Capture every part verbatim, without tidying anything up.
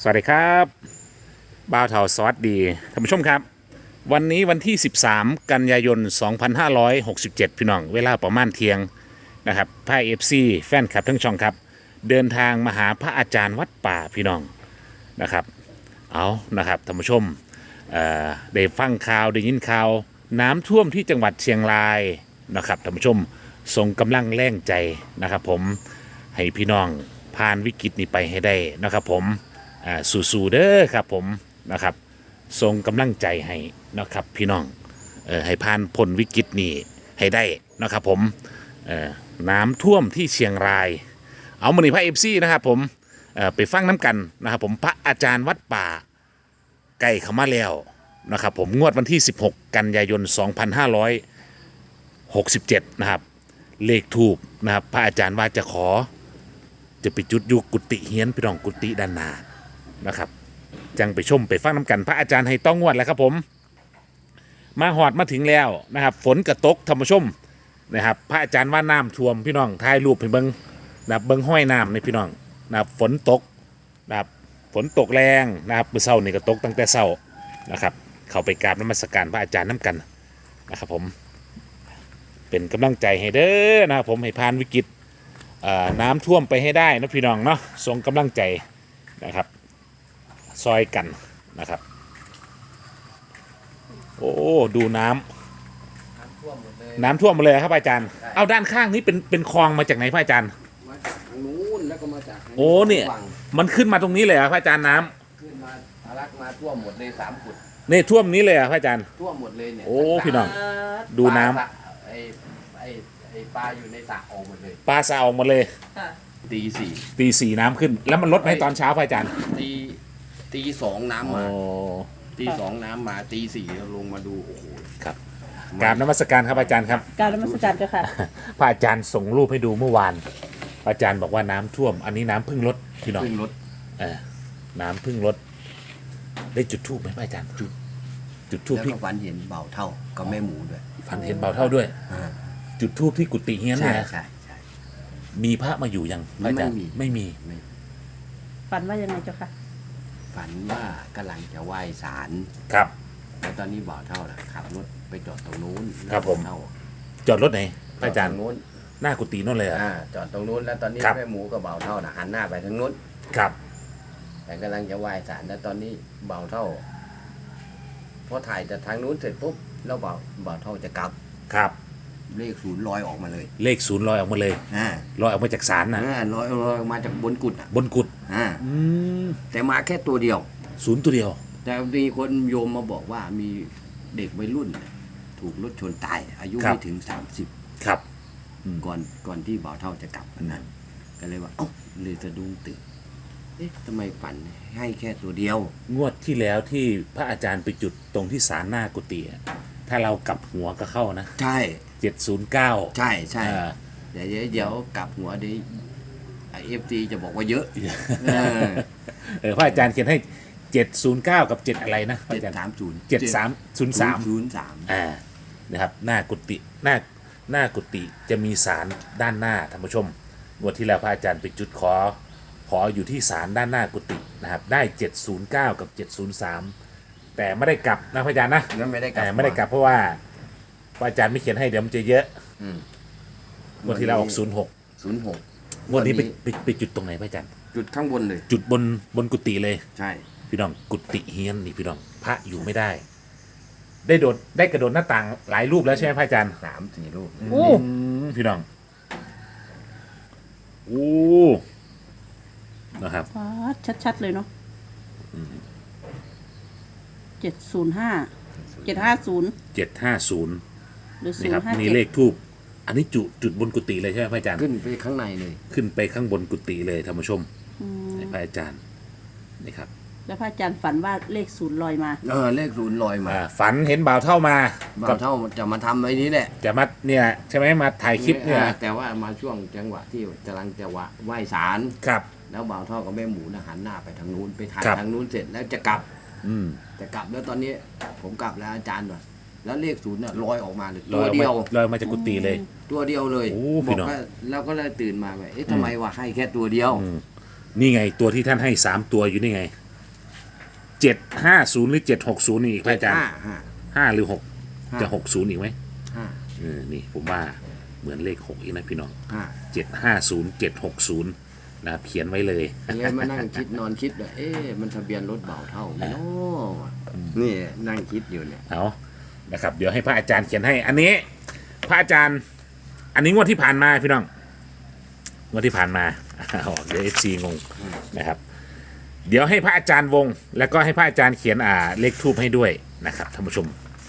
สวัสดีครับบ่าวเถาสวัสดีท่านผู้ชมครับวันนี้วันที่สิบสามกันยายนสองพันห้าร้อยหกสิบเจ็ดพี่น้องเวลาประมาณเที่ยงนะครับพายเอฟซีแฟนคลับทั้งช่องครับเดินทางมาหาพระอาจารย์วัดป่าพี่น้องนะครับเอานะครับท่านผู้ชมเอ่อได้ฟังข่าวได้ยินข่าวน้ำท่วมที่จังหวัดเชียงรายนะครับท่านผู้ชมส่งกำลังแรงใจนะครับผมให้พี่น้องผ่านวิกฤตนี้ไปให้ได้นะครับผมอ่าสู้ๆเด้อครับผมนะครับส่งกำลังใจให้นะครับพี่น้องเออให้ผ่านพ้นวิกฤตนี้ให้ได้นะครับผมเออน้ำท่วมที่เชียงรายเอามาหนิพระเอฟซีนะครับผมเออไปฟังน้ำกันนะครับผมพระอาจารย์วัดป่าใกล้เข้ามาแล้วนะครับผมงวดวันที่สิบหกกันยายนสองพันห้าร้อยหกสิบเจ็ดนะครับเลขทูบนะครับพระอาจารย์ว่าจะขอจะไปจุดยุกุฏิเฮียนพี่น้องกุฏิด้านหน้านะครับจังไปชมไปฟังน้ำกันพระอาจารย์ให้ต้องงวดแล้วครับผมมาหอดมาถึงแล้วนะครับฝนกระตกธรรมชมนะครับพระอาจารย์ว่าน้ำท่วมพี่น้องถ่ายรูปให้เบิ้งนะครับเบิ้งห้อยน้ำในพี่น้องนะครับฝนตกนะครับฝนตกแรงนะครับเมื่อเช้านี่ก็ตกตั้งแต่เช้านะครับเข้าไปกราบนมัสการพระอาจารย์น้ำกันนะครับผมเป็นกำลังใจให้เด้อนะครับผมให้ผ่านวิกฤตน้ำท่วมไปให้ได้นะพี่น้องเนาะส่งกำลังใจนะครับซอยกันนะครับโอ้ดูน้ำน้ำท่วมหมดเลยครับอาจารย์เอาด้านข้างนี้เป็นเป็นคลองมาจากไหนพระอาจารย์มาจากทางนู้นแล้วก็มาจากโอ้เนี่ยมันขึ้นมาตรงนี้เลยครับพระอาจารย์น้ำขึ้นมาทะลักมาท่วมหมดเลยสามขุดนี่ท่วมนี้เลยครับพระอาจารย์ท่วมหมดเลยเนี่ยโอ้พี่น้องดูน้ำไอ้ไอ้ไอ้ปลาอยู่ในสระออกหมดเลยำปลาสะออกหมดเลยตีสี่ตีสี่น้ำขึ้นแล้วมันลดไหมตอนเช้าพระอาจารย์ตีตีสองน้ำมาตีสองน้ำมาตีสี่เราลงมาดูโอ้โหครับกราบนมัสการครับอาจารย์ครับกราบนมัสการเจ้าค่ะพระอาจารย์ส่งรูปให้ดูเมื่อวานพระอาจารย์บอกว่าน้ำท่วมอันนี้น้ำพึ่งลดพี่น้องพึ่งลดเออน้ำพึ่งลดได้จุดทูบไหมพระอาจารย์จุดจุดทูบที่ฝันเห็นเบาเท่ากับแม่หมูด้วยฝันเห็นเบาเท่าด้วยจุดทูบที่กุฏิเฮียนเนี่ยใช่ใช่มีพระมาอยู่ยังพระอาจารย์ไม่มีฝันว่ายังไงเจ้าค่ะฝันว่ากำลังจะไหว้ศาลครับแล้วตอนนี้บ่าวเท่าน่ะขับรถไปจอดตรงนู้นครับผมจอดรถไหนพระอาจารย์นู้นหน้ากุฏินั่นเลยอ่าจอดตรงนู้นแล้วตอนนี้แม่หมูกับบ่าวเท่าน่ะหันหน้าไปทางนู้นครับแต่กำลังจะไหว้ศาลแล้วตอนนี้บ่าวเท่าพอถ่ายจากทางนู้นเสร็จปุ๊บแล้วบ่าวบ่าวเท่าจะกลับครับเลขศูนย์ลอยออกมาเลยเลขศูนย์ลอยออกมาเลยอ่าลอยออกมาจากศาลนะอ่าลอยลอยออกมาจากบนกุฏบนกุฏอ่าอืมแต่มาแค่ตัวเดียวศูนย์ตัวเดียวแต่มีคนโยมมาบอกว่ามีเด็กวัยรุ่นถูกรถชนตายอายุไม่ถึงสามสิบครับก่อนก่อนที่บ่าวเท่าจะกลับวันนั้นก็เลยว่าเอ้าเลยสะดุ้งตื่นเอ๊ะทำไมฝันให้แค่ตัวเดียวงวดที่แล้วที่พระอาจารย์ไปจุดตรงที่ศาลหน้ากุฏิถ้าเรากลับหัวก็เข้านะใช่เจ็ดศูนย์เก้าใช่ใช่เดี๋ยวเดี๋ยวกลับหัวเดี๋ยวเอฟซีจะบอกว่าเยอะเออพระอาจารย์เขียนให้เจ็ดศูนย์เก้ากับเจ็ดอะไรนะเจ็ดสามศูนย์เจ็ดสามศูนย์สามศูนย์สามอ่านะครับหน้ากุฏิหน้าหน้ากุฏิจะมีศาลด้านหน้าท่านผู้ชมงวดที่แล้วพระอาจารย์ไปจุดขอขออยู่ที่ศาลด้านหน้ากุฏินะครับได้เจ็ดศูนย์เก้ากับเจ็ดศูนย์สามแต่ไม่ได้กลับนะพระอาจารย์นะไม่ได้กลับไม่ได้กลับเพราะว่าพระอาจารย์ไม่เขียนให้เดี๋ยวมันจะเยอะงวดที่แล้วออกศูนย์หกศูนย์หกงวดนี้ไปไปไปจุดตรงไหนพระอาจารย์จุดข้างบนเลยจุดบนบนกุฏิเลยใช่พี่น้องกุฏิเฮียนนี่พี่น้องพระอยู่ไม่ได้ได้โดดได้กระโดดหน้าต่างหลายรูปแล้วใช่ไหมพระอาจารย์สามสี่รูปโอ้พี่น้องโอ้นะครับชัดๆเลยเนาะเจ็ดศูนย์ห้าเจ็ดห้าศูนย์เจ็ดห้าศูนย์นี่ครับนี่เลขทูบอันนี้จุดจุดบนกุฏิเลยใช่ไหมพระอาจารย์ขึ้นไปข้างในเลยขึ้นไปข้างบนกุฏิเลยท่านผู้ชมให้พระอาจารย์นี่ครับแล้วพระอาจารย์ฝันว่าเลขศูนย์ลอยมาเออเลขศูนย์ลอยมาฝันเห็นบ่าวเท่ามาบ่าวเท่าจะมาทำไอ้นี้แหละจะมาเนี่ยใช่ไหมมาถ่ายคลิปเนี่ยแต่ว่ามาช่วงจังหวะที่กำลังจะไหว้ศาลครับแล้วบ่าวเท่ากับแม่หมูนะหันหน้าไปทางนู้นไปถ่ายทางนู้นเสร็จแล้วจะกลับอืมจะกลับแล้วตอนนี้ผมกลับแล้วอาจารย์ว่ะแล้วเลขศูนย์เนี่ยลอยออกมาเลยตัวเดียวลอยมาจากกุฏิเลยตัวเดียวเลยบอกว่าเราก็เลยตื่นมาแบบเอ๊ะทำไมวะให้แค่ตัวเดียวนี่ไงตัวที่ท่านให้สามตัวอยู่นี่ไงเจ็ดห้าศูนย์หรือเจ็ดหกศูนย์อีกพระอาจารย์ห้าห้าห้าหรือหกห้าจะหกศูนย์อีกไหมห้าเออนี่ผมว่าเหมือนเลขหกอีกนะพี่น้องห้าเจ็ดห้าศูนย์เจ็ดหกศูนย์นะครับเขียนไว้เลยเนี่ยมานั่งคิดนอนคิดว่าเอ๊ะมันทะเบียนรถเบาเท่าไหมเนาะนี่นั่งคิดอยู่เนี่ยเอานะครับ เดี๋ยวให้พระอาจารย์เขียนให้ อันนี้ พระอาจารย์ อันนี้งวดที่ผ่านมาพี่น้องงวดที่ผ่านมา ออกเดี๋ยวเอฟซีงงนะครับ เดี๋ยวให้พระอาจารย์วง แล้วก็ให้พระอาจารย์เขียนอ่าเลขทูบให้ด้วยนะครับท่านผู้ชม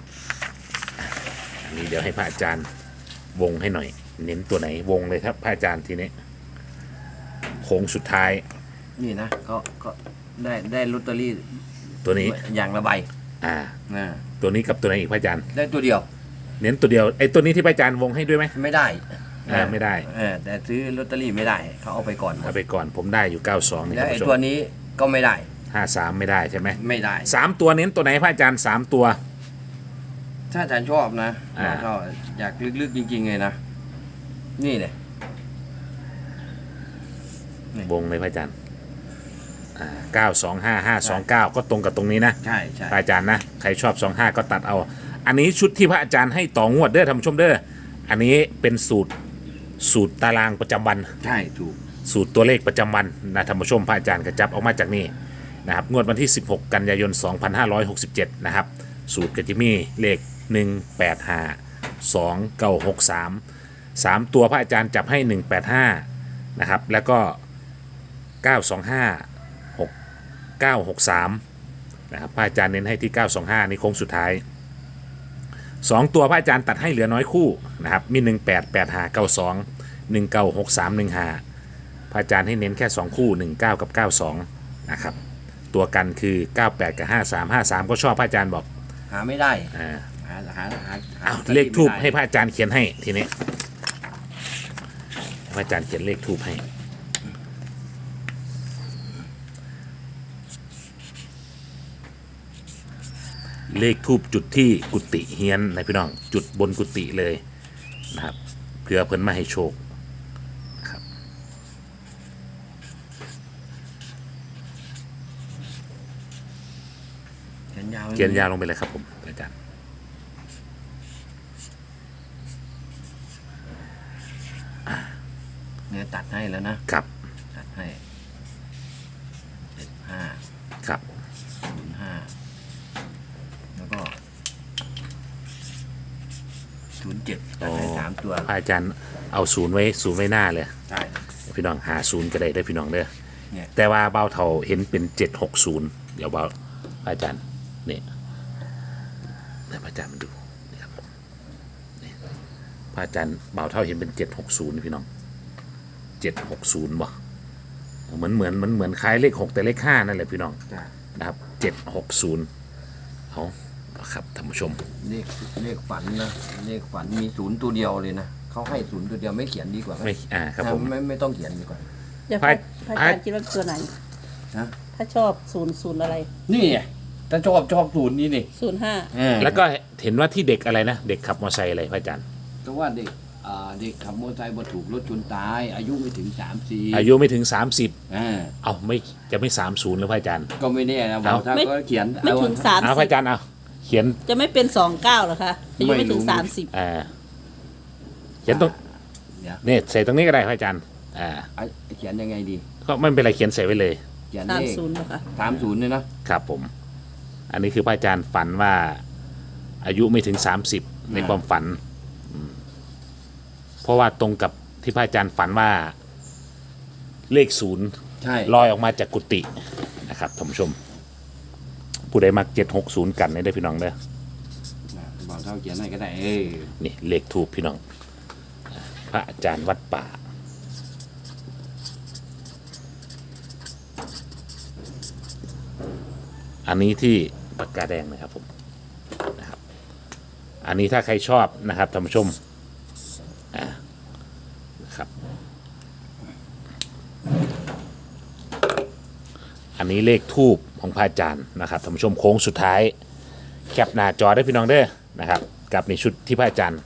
อันนี้เดี๋ยวให้พระอาจารย์วงให้หน่อย เน้นตัวไหนวงเลยครับ พระอาจารย์ทีนี้โค้งสุดท้ายนี่นะก็ก็ได้ได้ลอตเตอรี่ตัวนี้อย่างละใบอ่านะตัวนี้กับตัวไหนอีกพระอาจารย์ได้ตัวเดียวเน้นตัวเดียวไอ้ตัวนี้ที่พระอาจารย์วงให้ด้วยไหมไม่ได้อ่าไม่ได้เออแต่ซื้อลอตเตอรี่ไม่ได้เขาเอาไปก่อนหมเอาดไปก่อนผมได้อยู่เก้าสองนี่แล้วท่านไอ้ผู้ชตัวมนี้ก็ไม่ได้ห้าสามไม่ได้ใช่ไหมไม่ได้สามตัวเน้นตัวไหนพระอาจารย์สามตัวถ้าอาจารย์ชอบนะอ่าก็อยากลึกๆจริงๆเลยนะนี่เลยวงเลยพระอาจารย์อ่าเก้าสองห้าห้าสองเก้าก็ตรงกับตรงนี้นะใช่ใช่พระอาจารย์นะใครชอบสองห้าก็ตัดเอา อันนี้ชุดที่พระอาจารย์ให้ต่องวดเด้อท่านผู้ชมเด้ออันนี้เป็นสูตรสูตรตารางประจำวันใช่ถูกสูตรตัวเลขประจำวันนะท่านผู้ชมพระอาจารย์กระจับออกมาจากนี่นะครับงวดวันที่สิบหกกันยายนสองพันห้าร้อยหกสิบเจ็ดนะครับสูตรกจะมีเลขหนึ่งแปดห้า สอง เก้า หก สาม สามตัวพระอาจารย์จับให้หนึ่งแปดห้านะครับแล้วก็เก้าสองห้า หก เก้าหกสามนะครับพระอาจารย์เน้นให้ที่เก้าสองห้านี่โค้งสุดท้ายสองตัวพระอาจารย์ตัดให้เหลือน้อยคู่นะครับมีหนึ่งแปด แปดห้า เก้าสอง หนึ่งเก้า หกสาม หนึ่งห้าพระอาจารย์ให้เน้นแค่สองคู่หนึ่งเก้ากับเก้าสองนะครับตัวกันคือเก้าแปดกับห้าสาม ห้าสามก็ชอบพระอาจารย์บอกหาไม่ได้อ่าหาหาหาหาเอาลอตตอเลรี่ขทูบไม่ได้ให้พระอาจารย์เขียนให้ทีนี้พระอาจารย์เขียนเลขทูบให้เลขทูบจุดที่กุฏิเฮียนนะพี่น้องจุดบนกุฏิเลยนะครับเพื่อเพิ่นมาให้โชคนะครับเขียนยาวเขียนยาวลงไปเลยครับผมอาจารย์เนี่ยตัดให้แล้วนะครับ ตัดให้เจ็ดห้าครับศูนย์ห้าแล้วก็ศูนย์เจ็ดตัดให้สามตัวพระอาจารย์เอาศูนย์ไว้ศูนย์ไว้หน้าเลยใช่พี่น้องหาศูนย์ก็ได้ได้อพี่น้องเด้อเนี่ยแต่ว่าเบาเท่าเห็นเป็นเจ็ดหกศูนย์เดี๋ยวเบาพระอาจารย์นี่ให้พระอาจารย์มาดูนี่ครับนี่พระอาจารย์เบาเท่าเห็นเป็นเจ็ดหกศูนย์พี่น้องเจ็ดหกศูนย์บ่เหมือนเหมือนมันเหมือนคล้ายเลขหกแต่เลขห้านั่นแหละพี่น้องจ้ะนะครับเจ็ดหกศูนย์เอาครับท่านผู้ชมเลขเลขฝันนะเลขฝันมีศูนย์ตัวเดียวเลยนะเขาให้ศูนย์ตัวเดียวไม่เขียนดีกว่าไหมไม่อ่าครับผมไม่ไม่ต้องเขียนดีกว่าเดี๋ยวพระพระอาจารย์คิดว่าตัวไหนฮะถ้าชอบศูนย์ศูนย์อะไรนี่ไงถ้าชอบชอบศูนย์นี่นี่ศูนย์ห้าแล้วก็เห็นว่าที่เด็กอะไรนะเด็กขับมอเตอร์ไซค์อะไรพระอาจารย์ก็ว่าเด็กอ่าเด็กขับมอเตอร์ไซค์มาถูกรถชนตาย อายุไม่ถึงสามสี่อายุไม่ถึง สามสิบอ่าเอาไม่จะไม่สามศูนย์แล้วพระอาจารย์ก็ไม่แน่นะบอกถ้าก็เขียนไม่ถึงเอาสามเอาพสิระบอาจารย์เอาเขียนจะไม่เป็นสองเก้าหรอคะอายุไม่ถึงสามสิบอ่าเขียนตรงเดี๋ยวเนี่ยใส่ตรงนี้ก็ได้พระอาจารย์อ่าอ่ะเขียนยังไงดีก็ไม่เป็นไรเขียนใส่ไว้เลยเขียนสามเลขศูนย์หรอคะสามศูนย์เนี่ยนะครับผม อันนี้คือพระอาจารย์ฝันว่า อายุไม่ถึงสามสิบในความฝันอืมเพราะว่าตรงกับที่พระอาจารย์ฝันว่า เลขศูนย์ใช่ลอยออกมาจากกุฏินะครับท่านผู้ชม ผู้ใดมักเจ็ดหกศูนย์กันได้อพี่น้องเด้อบอกเท่าเขียนให้ก็ได้เออนี่เลขทูปพี่น้องอ่าพระอาจารย์วัดป่า อันนี้ที่ปากกาแดงนะครับผมนะครับ อันนี้ถ้าใครชอบนะครับท่านผู้ชมอ่านะครับ อันนี้เลขทูปของพระอาจารย์นะครับท่านผู้ชมโค้งสุดท้าย แคปหน้าจอได้พี่น้องเด้อนะครับ กับในชุดที่พระอาจารย์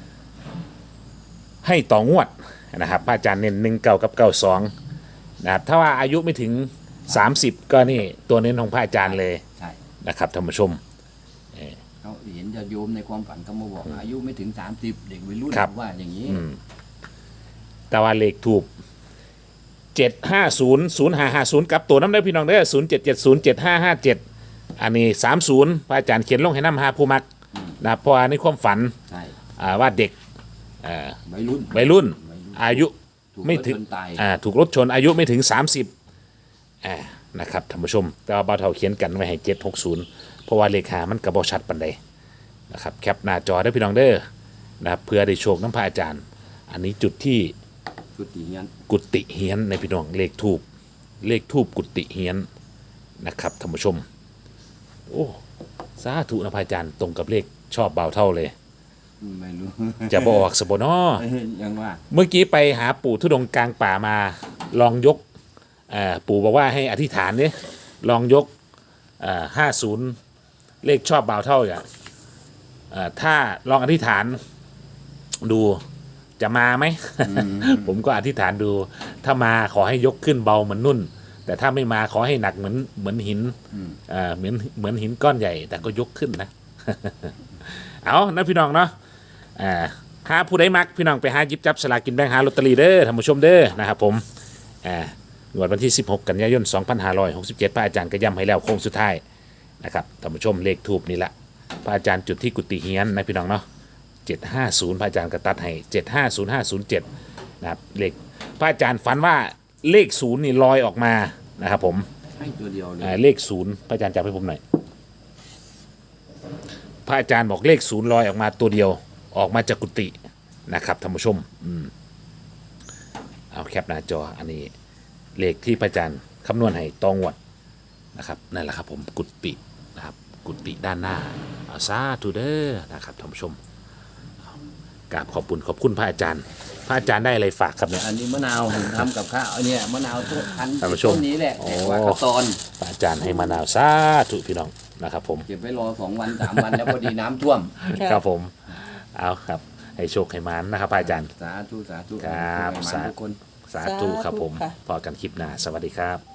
ให้ต่องวดนะครับพระอาจารย์เน้นหนึ่งเก้ากับเก้าสองนะครับถ้าว่าอายุไม่ถึงสามสิบก็นี่ตัวเน้นของพระอาจารย์เลยใช่นะครับท่านผู้ชมเขาเห็นจะโยมในความฝันเขามาบอกอายุไม่ถึงสามสิบเด็กวัยรุ่นครับว่าอย่างนี้อืมแต่ว่าเลขถูกเจ็ดห้าศูนย์ศูนย์ห้าห้าศูนย์กับตัวน้ำได้พี่น้องเด้อศูนย์เจ็ดเจ็ดศูนย์เจ็ดห้าห้าเจ็ดอันนี้สามศูนย์พระอาจารย์เขียนลงให้น้ำหาผู้มักนะเพราะว่าในความฝันใช่อ่าว่าเด็กอ่าวัยรุ่นวัยรุ่นวัยรุ่นอายุถูกไม่ถึงรถชนตายอ่าถูกรถชนอายุไม่ถึงสามสิบอ่านะครับท่านผู้ชม แต่ว่าเบาเท่าเขียนกันไว้ให้เจ็ดหกศูนย์เพราะว่าเลขามันกระบอกชัดปันใดนะครับแคปหน้าจอได้พี่น้องเด้อนะครับเพื่อได้โชคน้ำพระอาจารย์ อันนี้จุดที่กุฏิเงี้ยกุฏิเฮียนในพี่น้องเลขทูบเลขทูบกุฏิเฮียนนะครับท่านผู้ชมโอ้สาธุนะพระอาจารย์ตรงกับเลขชอบเบาเท่าเลยไม่รู้จะบอกสบนอยังว่าเมื่อกี้ไปหาปู่ทุดงค์กลางป่ามาลองยกเอ่อปู่บอกว่าให้อธิษฐานเนี่ยลองยกห้าศูนย์เลขชอบเบาเท่าอย่างเอ่อถ้าลองอธิษฐานดูจะมาไหม ผมก็อธิษฐานดู ถ้ามาขอให้ยกขึ้นเบาเหมือนนุ่น แต่ถ้าไม่มาขอให้หนักเหมือนเหมือนหินเอ่อเหมือนเหมือนหินก้อนใหญ่ แต่ก็ยกขึ้นนะ เอานะพี่น้องเนาะอ่าหาผู้ใดมักพี่น้องไปหาหยิบจับสลากกินแบ่งหาลอตเตอรี่เด้อท่านผู้ชมเด้อนะครับผมอ่างวดวันที่สิบหกกันยายนสองพันห้าร้อยหกสิบเจ็ดพระอาจารย์ก็ย้ำให้แล้วโค้งสุดท้ายนะครับท่านผู้ชมเลขทูบนี่แหละพระอาจารย์จุดที่กุฏิเฮียนนะพี่น้องเนาะเจ็ดห้าศูนย์พระอาจารย์ก็ตัดให้เจ็ดห้าศูนย์ห้าศูนย์เจ็ดนะครับเลขพระอาจารย์ฝันว่าเลขศูนย์นี่ลอยออกมานะครับผมให้ตัวเดียวเลยอ่าเลขศูนย์พระอาจารย์จับให้ผมหน่อยพระอาจารย์บอกเลขศูนย์ลอยออกมาตัวเดียวออกมาจากกุฏินะครับท่านผู้ชมอืมเอาแคปหน้าจออันนี้เลขที่พระอาจารย์คำนวณให้ตองวดนะครับนั่นแหละครับผมกุฏินะครับกุฏิด้านหน้าเอาซาทูเดอร์นะครับท่านผู้ชมกราบขอบคุณขอบคุณพระอาจารย์ พระอาจารย์ได้อะไรฝากครับเนี่ยอันนี้มะนาวผมทำกับข้าวอันเนี้ยมะนาวต้นพันธุ์ท่านผู้ชมต้นนี้แหละโอ้แต่ว่ากระตอนพระอาจารย์ให้มะนาวซาธุพี่น้องนะครับผมเก็บไว้รอสองวันสามวันแล้วพอดีน้ำท่วมครับผมเอาครับให้โชคให้มันนะครับพระอาจารย์สาธุสาธุครับให้มันสาทุกคนสาธุครับผมสาธุค่ะพอกันคลิปหน้าสวัสดีครับ